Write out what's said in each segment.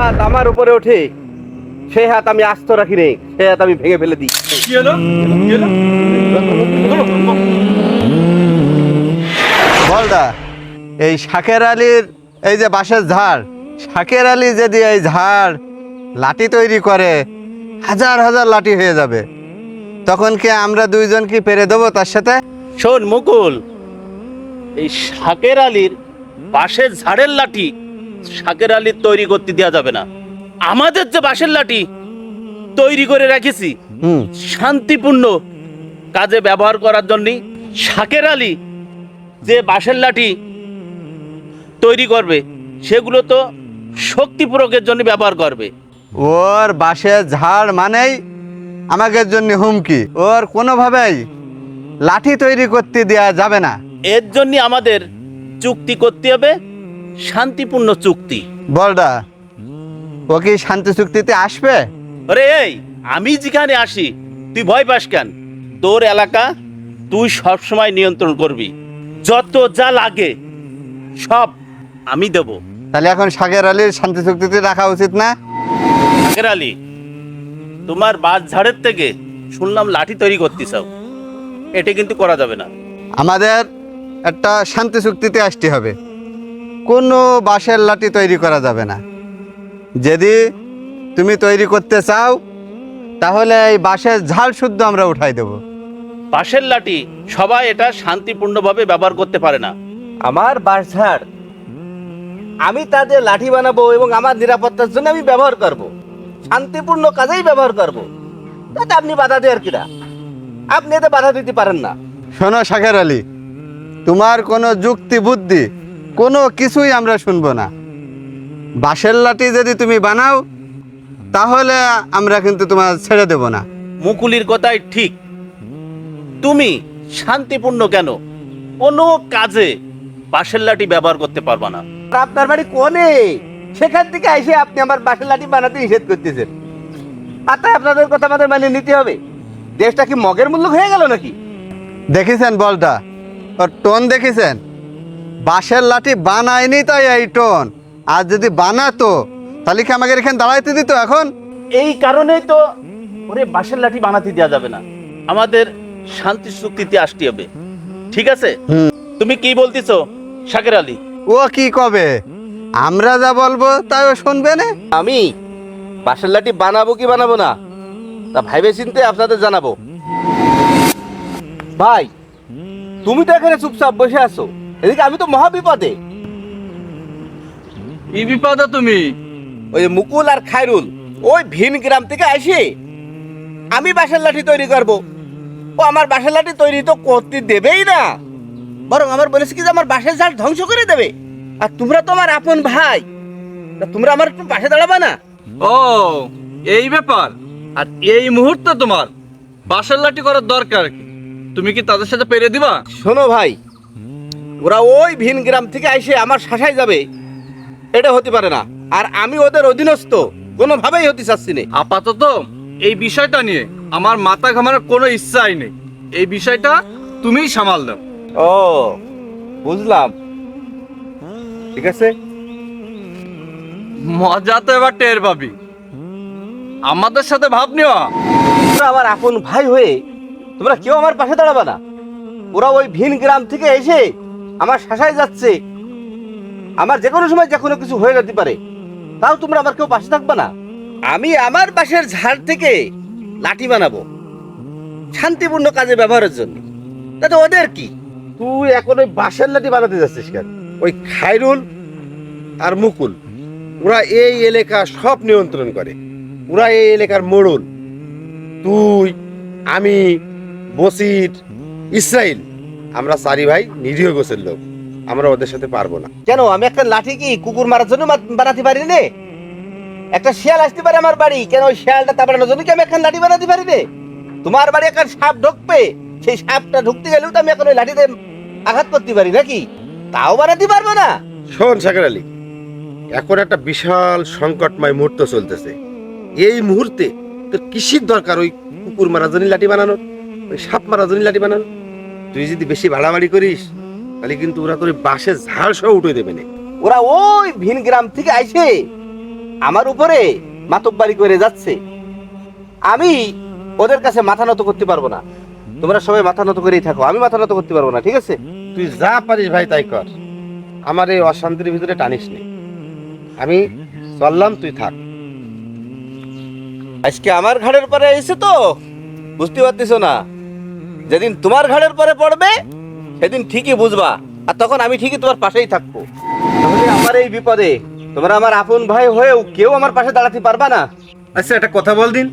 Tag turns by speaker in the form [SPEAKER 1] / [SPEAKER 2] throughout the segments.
[SPEAKER 1] হাত আমার উপরে ওঠে সেই হাত আমি আস্ত রাখি রে, সেই হাত আমি ভেঙে ফেলে দিই।
[SPEAKER 2] কি হলো? কি হলো?
[SPEAKER 3] বলদা, এই শাকের আলীর এই যে বাঁশের ঝাড়, শাকের আলী যদি এই ঝাড় লাঠি তৈরি করে হাজার হাজার লাঠি হয়ে যাবে, তখন কি আমরা দুইজন কি পেরে দেবো তার সাথে?
[SPEAKER 1] শোন মুকুল, এই শাকের আলীর বাঁশের ঝাড়ের লাঠি শাকের আলীর তৈরি করতে দেওয়া যাবে না। আমাদের যে বাঁশের লাঠি তৈরি করে রেখেছি শান্তিপূর্ণ কাজে ব্যবহার করার জন্য, শাকের আলী যে বাঁশের লাঠি তৈরি করবে সেগুলো তো শক্তি প্রয়োগের জন্য ব্যবহার করবে।
[SPEAKER 3] ওর বাঁশের ঝাড় মানেই আমাদের জন্য হুমকি, ওর কোনোভাবেই লাঠি তৈরি করতে দেওয়া যাবে না।
[SPEAKER 1] এর জন্য আমাদের চুক্তি করতে হবে, শান্তিপূর্ণ চুক্তি।
[SPEAKER 3] বলদা, ও কি শান্তি চুক্তিতে আসবে?
[SPEAKER 1] আরে এই, আমি যেখানে আসি তুই ভয় পাস কেন? তোর এলাকা তুই সব সময় নিয়ন্ত্রণ করবি, যত যা লাগে সব আমি দেব।
[SPEAKER 3] তাহলে এখন শাকের আলীর শান্তি চুক্তিতে রাখা উচিত না?
[SPEAKER 1] শাকের আলী, তোমার বাস ঝাড়ের থেকে শুনলাম লাঠি তৈরি করতে চাও, এটা কিন্তু করা যাবে না।
[SPEAKER 3] আমাদের একটা শান্তি চুক্তিতে আসতে হবে, কোনো বাঁশের লাঠি তৈরি করা যাবে না। যদি তুমি তৈরি করতে চাও তাহলে এই বাঁশের ঝাড় শুদ্ধ আমরা উঠাই দেব।
[SPEAKER 1] বাঁশের লাঠি সবাই এটা শান্তিপূর্ণভাবে ব্যবহার করতে পারে না। আমার বাঁশ ঝাড় আমি তাদের লাঠি বানাবো এবং আমার নিরাপত্তার জন্য আমি ব্যবহার করব, শান্তিপূর্ণ কাজেই ব্যবহার করব। তাতে আপনি বাধা দেওয়ার কিনা? আপনি এতে বাধা দিতে পারেন না।
[SPEAKER 3] শোনো শাকের আলী, তোমার কোনো যুক্তি বুদ্ধি কোনো কিছুই আমরা শুনবো না। বাঁশের লাঠি যদি তুমি বানাও তাহলে আমরা কিন্তু তোমার ছেড়ে দেব না।
[SPEAKER 1] মুকুলির কথাই ঠিক, তুমি শান্তিপূর্ণ কেন কোনো কাজে বাঁশের লাঠি ব্যবহার করতে পারবা না। আপনার বাড়ি কোনে, সেখান থেকে এসে আপনি আমার বাঁশের লাঠি বানাতে নিষেধ করতেছেন। আর তাই আপনাদের কথা আমাদের মানে নিতে হবে। দেশটা কি মগের মূল্য হয়ে গেল নাকি?
[SPEAKER 3] দেখেছেন বলটা, ওর টোন দেখেছেন? বাঁশের লাঠি বানায়নি তাই এই টোন, আর যদি বানাতো তাহলে কি আমাকে এখানে দাঁড়াইতে দিত এখন?
[SPEAKER 1] এই কারণেই তো ওরে বাঁশের লাঠি বানাতে দেওয়া যাবে না, আমাদের শান্তি চুক্তিতে আসতে হবে। ঠিক আছে? তুমি কি বলতেছো শাকের আলী?
[SPEAKER 3] ও কি কবে, আমরা যা বলবো তাই ও শুনবে না।
[SPEAKER 1] আমি বাঁশের লাঠি বানাবো কি বানাবো না তা ভাইবে চিন্তে আপনাদের জানাবো। ভাই, তুমি তো এখানে চুপচাপ বসে আছো, এদিকে আমি তো মহা বিপদে।
[SPEAKER 2] কি বিপদ তুমি?
[SPEAKER 1] ওই মুকুল আর খায়রুল ওই ভিন গ্রাম থেকে আসে আমি বাঁশের লাঠি তৈরি করব, ও আমার বাঁশের লাঠি তৈরি তো করতে দেবেই না, বরং আমার বলেছে কি যে আমার বাঁশের ঝাড় ধ্বংস করে দেবে। আর তোমরা তো আমার আপন ভাই, তা তোমরা আমার একটু পাশে দাঁড়াবা না?
[SPEAKER 2] ও এই ব্যাপার। আর এই মুহূর্তে তোমার বাঁশের লাঠি করার দরকার কি? তুমি কি তাদের সাথে পেরে দিবা?
[SPEAKER 1] শোনো ভাই, ওরা ওই ভিন গ্রাম থেকে এসে আমার শাসায় যাবে, এটা হতে পারে না। আর আমি ওদের অধীনস্থ কোনোভাবেই হতে চাচ্ছি না।
[SPEAKER 2] আপাতত এই বিষয়টা নিয়ে আমার মাথা ঘামানোর কোনো ইচ্ছাই নেই। এই বিষয়টা তুমিই সামাল দাও।
[SPEAKER 1] ও বুঝলাম, ঠিক আছে।
[SPEAKER 2] মজা তো এবার টের পাবি। আমাদের সাথে ভাব নেওয়া।
[SPEAKER 1] তোমরা আমার আপন ভাই হয়ে তোমরা কেউ আমার পাশে দাঁড়াবে না। ওরা ওই ভিন গ্রাম থেকে এসে আমার শাসায় যাচ্ছে, আমার যে কোনো সময় যে কোনো কিছু হয়ে যেতে পারে, তাও তোমরা আমার কেউ পাশে থাকবে না। আমি আমার বাঁশের ঝাড় থেকে লাঠি বানাবো শান্তিপূর্ণ কাজে ব্যবহারের জন্য, তাতে ওদের কি? তুই এখন ওই বাঁশের লাঠি বানাতে যাচ্ছিস কেন? ওই খায়রুল আর মুকুল ওরা এই এলাকা সব নিয়ন্ত্রণ করে, ওরা এই এলাকার মোড়ল। তুই, আমি, বসির, ইসরাইল, আমরা চারি ভাই নিরীহ গোছের লোক, আমরা ওদের সাথে পারবো না। কেন আমি একটা লাঠি কি কুকুর মারার জন্য বানাতে পারি নে? একটা শিয়াল আসতে পারে আমার বাড়ি, কেন ওই শিয়ালটা তাড়ানোর জন্য কি আমি একটা লাঠি বানাতে পারি নে? তোমার বাড়ি একটা সাপ ঢুকবে, সেই সাপটা ঢুকতে গেলেও তো আমি এখন ওই লাঠিতে আঘাত করতে পারি নাকি? তাও বানাতে পারবো না। শোন শাকের আলী, এখন একটা বিশাল সংকটময় মুহূর্ত চলতেছে। এই মুহূর্তে তোর কিসের দরকার ওই কুকুর মারার জন্য লাঠি বানানোর, ওই সাপ মারার জন্য লাঠি বানানোর? তুই যদি বেশি বাড়াবাড়ি করিস তাহলে কিন্তু ওরা তোর বাঁশের ঝাড় সহ উঠে দেবে না। ওরা ওই ভিন গ্রাম থেকে আইসে আমার উপরে মাতব্বারি করে যাচ্ছে, আমি ওদের কাছে মাথা নত করতে পারবো না। তোমরা সবাই মাথা নত করেই থাকো, আমি মাথা নত করতে পারবো না, ঠিক আছে?
[SPEAKER 4] তুই যা পারিস ভাই তাই কর, আমার এই অশান্তির ভিতরে টানিস নি। আমি চললাম, তুই থাক।
[SPEAKER 1] আজকে আমার ঘাড়ের পরে এসে তো বুঝতে পারতেছো না, যেদিন তোমার ঘাড়ের পরে পড়বে সেদিন ঠিকই বুঝবা, আর তখন আমি ঠিকই তোমার পাশেই থাকবো। তাহলে আমার এই বিপদে তোমরা আমার আপন ভাই হয়েও কেউ আমার পাশে দাঁড়াতে পারবা না।
[SPEAKER 4] আচ্ছা একটা কথা বল দিন,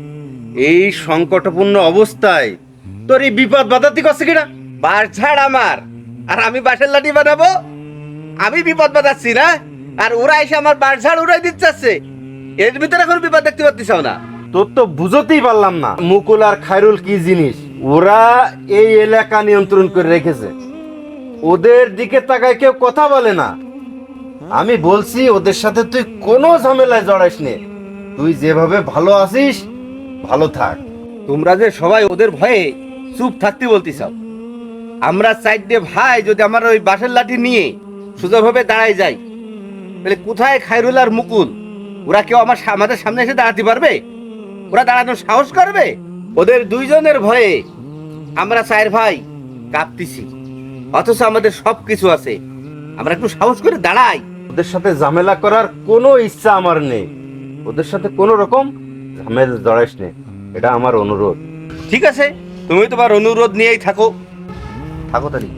[SPEAKER 4] এই সংকটপূর্ণ অবস্থায় তোর এই বিপদ বাধাতি করছে কিনা?
[SPEAKER 1] বাঁশ ঝাড় আমার, আর আমি বাঁশের লাঠি বানাবো? আমি বিপদ বাঁধাচ্ছি না, আর ওরা এসে আমার বাঁশ ঝাড় উড়াই দিচ্ছে। এর ভিতরে এখন বিপদ দেখতে পাচ্ছিস না?
[SPEAKER 4] তোর তো বুঝতেই পারলাম না মুকুল আর খায়রুল কি জিনিস। ওরা এই এলাকা নিয়ন্ত্রণ করে রেখেছে, ওদের দিকে তাকায় কেউ কথা বলে না। আমি বলছি ওদের সাথে তুই কোনো ঝামেলায় জড়াইস নে, তুই যেভাবে ভালো আছিস ভালো থাক।
[SPEAKER 1] তোমরা যে সবাই ওদের ভয়ে চুপ থাকতে বলতেছ, আমরা চারটে ভাই যদি আমার ওই বাঁশের লাঠি নিয়ে সোজাভাবে দাঁড়াই যাই, তাহলে কোথায় খায়রুল আর মুকুল? ওরা কেউ আমাদের সামনে এসে দাঁড়াতে পারবে? ওরা দাঁড়ানোর সাহস করবে? ওদের দুইজনের ভয়ে আমরা চার ভাই কাঁপতেছি, অথচ আমাদের সব কিছু আছে। আমরা একটু সাহস করে দাঁড়াই।
[SPEAKER 4] ওদের সাথে ঝামেলা করার কোনো ইচ্ছা আমার নেই, ওদের সাথে কোনো রকম ঝামেলা জড়াইস নে, এটা আমার অনুরোধ।
[SPEAKER 1] ঠিক আছে, তুমি তোমার অনুরোধ নিয়েই থাকো, থাকো তাহলে।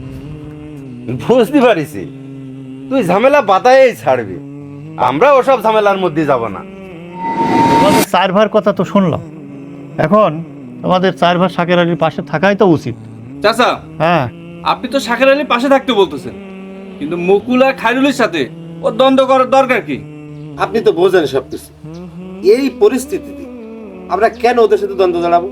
[SPEAKER 4] বুঝতে পারিস তুই ঝামেলা বাতায়েই ছাড়বি, আমরা ওসব ঝামেলার মধ্যে যাব না।
[SPEAKER 5] তোমাদের চার ভাইয়ের কথা তো শুনলাম, এখন তোমাদের চার ভাই শাকের আলীর পাশে থাকাই তো উচিত।
[SPEAKER 2] চাচা,
[SPEAKER 5] হ্যাঁ,
[SPEAKER 2] আপনি তো শাকের আলীর পাশে থাকতে বলতেছেন, কিন্তু মুকুল আর খায়রুলের সাথে ও দ্বন্দ্ব করার দরকার কি?
[SPEAKER 4] আপনি তো বোঝেন সবকিছু, এই পরিস্থিতিতে আমরা কেন ওদের সাথে দ্বন্দ্ব দাঁড়াবো?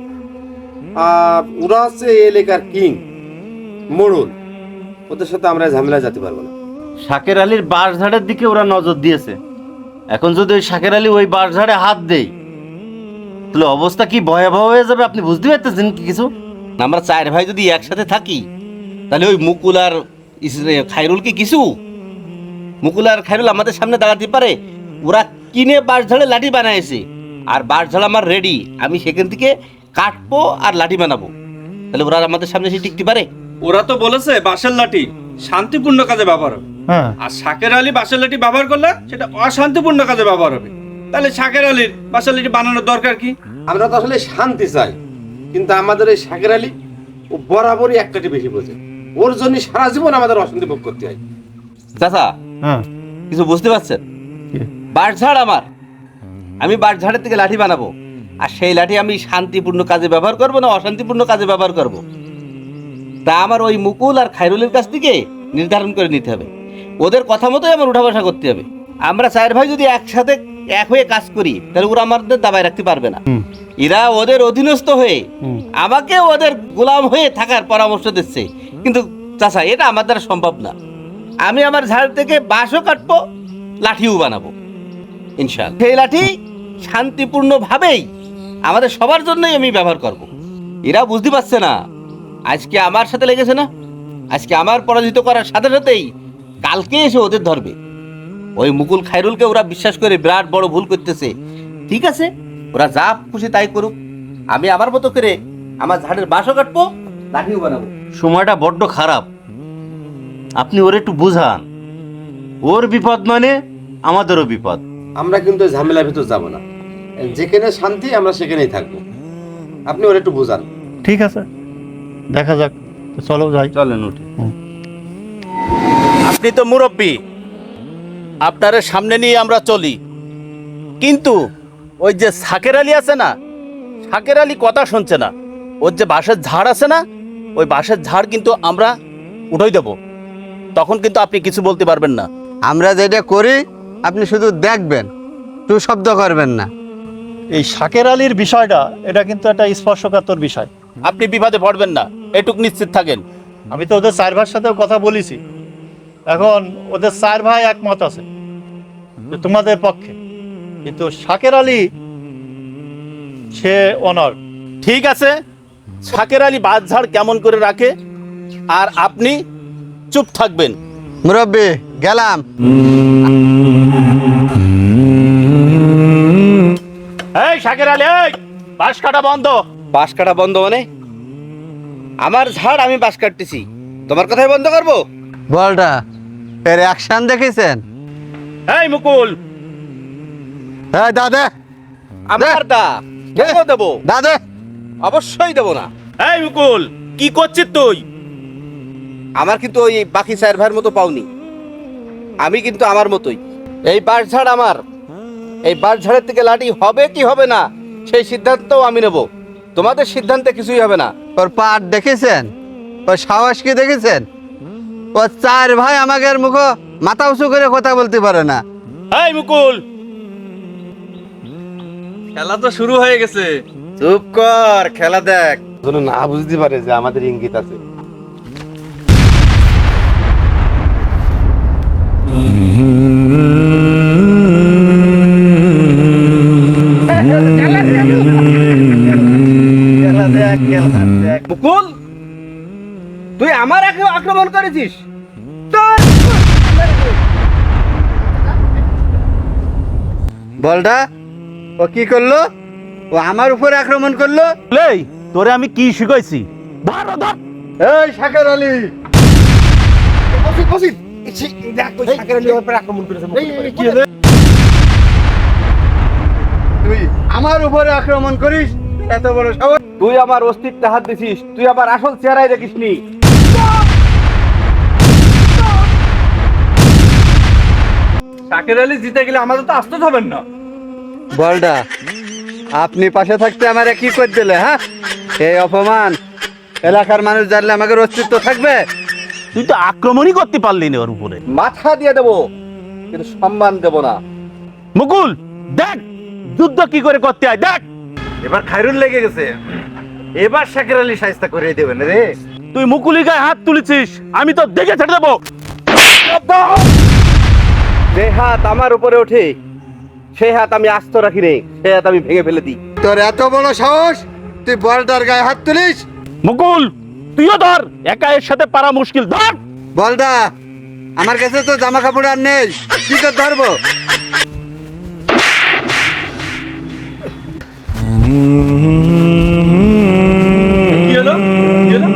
[SPEAKER 4] আর ওরা হচ্ছে এই এলাকার কিং, মোড়ল, ওদের সাথে আমরা ঝামেলা যেতে পারবো না।
[SPEAKER 6] শাকের আলীর বাঁশঝাড়ের দিকে ওরা নজর দিয়েছে, এখন যদি ওই শাকের আলী ওই বাঁশঝাড়ে হাত দেয় তাহলে অবস্থা কি ভয়াবহ হয়ে যাবে, আপনি বুঝতে পারতেছেন কি কিছু?
[SPEAKER 1] আমরা চার ভাই যদি একসাথে থাকি, তাহলে ওই মুকুল আর খায়রুল কি কিছু? মুকুল আর খায়রুল আমাদের সামনে দাঁড়াতে পারে? ওরা কিনে বাঁশ ঝাড়ে লাঠি বানাইছে, আর বাঁশ ঝাড় আমার রেডি, আমি সেখান থেকে কাটবো আর লাঠি বানাবো। তাহলে ওরা আমাদের সামনে এসে টিকতে পারে?
[SPEAKER 2] ওরা তো বলেছে বাঁশের লাঠি শান্তিপূর্ণ কাজে ব্যবহার হবে,
[SPEAKER 5] হ্যাঁ,
[SPEAKER 2] আর শাকের আলী বাঁশের লাঠি ব্যবহার করলে সেটা অশান্তিপূর্ণ কাজে ব্যবহার হবে। তাহলে শাকের আলীর বাঁশের লাঠি বানানোর দরকার কি?
[SPEAKER 4] আমরা তো আসলে শান্তি চাই, কিন্তু আমাদের এই শাকের আলী ও বরাবরই এক কাটি বেশি বোঝে, ওর জন্য সারা জীবন আমাদের অশান্তি ভোগ করতে হয়।
[SPEAKER 1] চাচা,
[SPEAKER 5] হ্যাঁ,
[SPEAKER 1] কিছু বুঝতে পারছেন?
[SPEAKER 5] কি?
[SPEAKER 1] বাঁশ ঝাড় আমার, আমি বাঁশ ঝাড়ের থেকে লাঠি বানাবো, আর সেই লাঠি আমি শান্তিপূর্ণ কাজে ব্যবহার করব না অশান্তিপূর্ণ কাজে ব্যবহার করব, তা আমার ওই মুকুল আর খায়রুলের কাছ থেকে নির্ধারণ করে নিতে হবে। ওদের কথা মতোই আমার উঠা বসা করতে হবে। আমরা চার ভাই যদি একসাথে এক হয়ে কাজ করি, তাহলে ওরা আমাদের দাবায় রাখতে পারবে না।
[SPEAKER 5] হুম।
[SPEAKER 1] এরা ওদের অধীনস্থ হয়ে
[SPEAKER 5] হুম।
[SPEAKER 1] আমাকে ওদের গোলাম হয়ে থাকার পরামর্শ দিচ্ছে, কিন্তু চাচা এটা আমার দ্বারা সম্ভব না। আমি আমার ঝাড় থেকে বাঁশও কাটবো, লাঠিও বানাবো ইনশাআল্লাহ। সেই লাঠি শান্তিপূর্ণভাবেই আমাদের সবার জন্যই আমি ব্যবহার করব। এরা বুঝতে পারছে না, আজকে আমার সাথে লেগেছে না, আজকে আমার পরাজিত করার সাথে সাথেই কালকে এসে ওদের ধরবে। ওই মুকুল খায়রুলকে ওরা বিশ্বাস করে বিরাট বড় ভুল করতেছে। ঠিক আছে, ওরা যা খুশি তাই করুক, আমি আমার মতো করে আমার ঝাড়ের বাঁশও কাটবো, লাঠিও বানাবো।
[SPEAKER 6] সময়টা বড্ড খারাপ, আপনি ওর একটু বুঝান। ওর বিপদ মানে আমাদেরও বিপদ।
[SPEAKER 4] আমরা কিন্তু ওই ঝামেলার ভিতর যাব না, যেখানে শান্তি আমরা সেখানেই থাকবো, আপনি ওর একটু বোঝান।
[SPEAKER 5] ঠিক আছে, দেখা যাক, তো চলো যাই।
[SPEAKER 6] চলেন উঠে।
[SPEAKER 1] আপনি তো মুরব্বী, আপনার সামনে নিয়ে আমরা চলি, কিন্তু ওই যে শাকের আলী আছে না, শাকের আলী কথা শুনছে না। ওর যে বাঁশের ঝাড় আছে না, ওই বাঁশের ঝাড় কিন্তু আমরা উঠাই দেব, তখন কিন্তু আপনি কিছু বলতে পারবেন না।
[SPEAKER 3] আমরা যেটা করি আপনি শুধু দেখবেন, টু শব্দ করবেন না।
[SPEAKER 5] এই শাকের আলীর বিষয়টা, এটা কিন্তু একটা স্পর্শকাতর বিষয়।
[SPEAKER 1] আপনি বিপদে পড়বেন না, এটুক নিশ্চিত থাকেন।
[SPEAKER 5] আমি তো ওদের চার ভাইয়ের সাথেও কথা বলেছি, এখন ওদের চার ভাই একমত আছে যে তোমাদের পক্ষে, কিন্তু শাকের আলী সে অনর।
[SPEAKER 1] ঠিক আছে, শাকের আলী বাঁশ ঝাড় কেমন করে রাখে, আর আপনি চুপ থাকবেন।
[SPEAKER 3] মুরব্বী গেলাম।
[SPEAKER 5] শাকের আলী, এই বাঁশ কাটা বন্ধ।
[SPEAKER 1] বাঁশ কাটা বন্ধ মানে? আমার ঝাড় আমি বাঁশ কাটতেছি, তোমার কথাই বন্ধ করবো?
[SPEAKER 3] বলটা এর অ্যাকশন দেখেছেন?
[SPEAKER 5] এই মুকুল,
[SPEAKER 3] এই দাদা,
[SPEAKER 1] আমার দা কেন দেবো?
[SPEAKER 3] দাদা,
[SPEAKER 1] অবশ্যই দেবো না।
[SPEAKER 5] এই মুকুল, কি করছিস তুই?
[SPEAKER 1] আমার কিন্তু ওই বাকি চার ভাইয়ের মতো পাওনি, আমি কিন্তু আমার মতোই। এই বাঁশ ঝাড় আমার, এই বাঁশ ঝাড়ের থেকে লাঠি হবে কি হবে না সেই সিদ্ধান্তও আমি নেব, তোমাদের সিদ্ধান্তে কিছুই হবে না।
[SPEAKER 3] ওর পাট দেখেছেন? ওর সাহস কি দেখেছেন? ও চার ভাই আমাদের মুখ মাথা উঁচু করে কথা বলতে পারে না।
[SPEAKER 5] এই মুকুল,
[SPEAKER 2] খেলা তো শুরু হয়ে গেছে।
[SPEAKER 1] চুপ কর, খেলা দেখ। যেন না বুঝতে পারে যে আমাদের ইঙ্গিত আছে। মুকুল, তুই আমার আক্রমণ করেছিস?
[SPEAKER 3] বলটা ও কি করলো? ও আমার উপরে আক্রমণ করলো।
[SPEAKER 5] এই তোরে আমি কি শিখাইছি? ধর ধর।
[SPEAKER 3] এই শাকের আলী, তুই আমার উপরে আক্রমণ করিস? এত বড় সাহস!
[SPEAKER 1] তুই আমার অস্তিত্বে হাত দিছিস, তুই আমার আসল চেহারাই দেখিসনি।
[SPEAKER 2] শাকের আলী জিতে গেলে আমাদের তো আসতে হবেন না।
[SPEAKER 3] বলটা আপনি পাশে থাকতে আমারে কি করে দিলে? হ্যাঁ, এই অপমান এলাকার মানুষ জানলে আমাদের অস্তিত্ব থাকবে?
[SPEAKER 5] তুই তো আক্রমণই করতে পারলি না ওর উপরে।
[SPEAKER 1] মাথা দিয়ে দেবো কিন্তু সম্মান দেব না।
[SPEAKER 5] মুকুল দেখ যুদ্ধ কি করে করতে হয়, দেখ।
[SPEAKER 4] এবার খায়রুল লেগে গেছে, এবার শাকের আলী শায়েস্তা করে দেবেন রে।
[SPEAKER 5] তুই মুকুলি গায়ে হাত তুলেছিস, আমি তো দেখে ছেড়ে দেবো।
[SPEAKER 1] যে হাত আমার উপরে ওঠে সেই হাত আমি আস্ত রাখি রে, সেই হাত আমি ভেঙে ফেলে দিই।
[SPEAKER 3] তোর এত বড় সাহস, তুই বলটার গায়ে হাত তুলিস?
[SPEAKER 5] মুকুল তুইও ধর, একা এর সাথে পারা মুশকিল, ধর।
[SPEAKER 3] বলদা, আমার কাছে তো জামা কাপড় আর নেই, কি করে ধরবো?
[SPEAKER 2] কি হলো? কি হলো?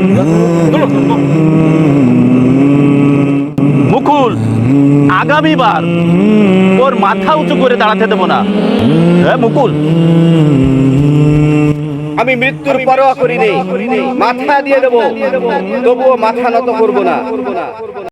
[SPEAKER 5] মুকুল আগামীবার ওর মাথা উঁচু করে দাঁড়াতে দেবো না। হ্যাঁ মুকুল,
[SPEAKER 1] আমি মৃত্যুর পরোয়া করি নে, মাথা দিয়ে দেবো, তবুও মাথা নত করবো না।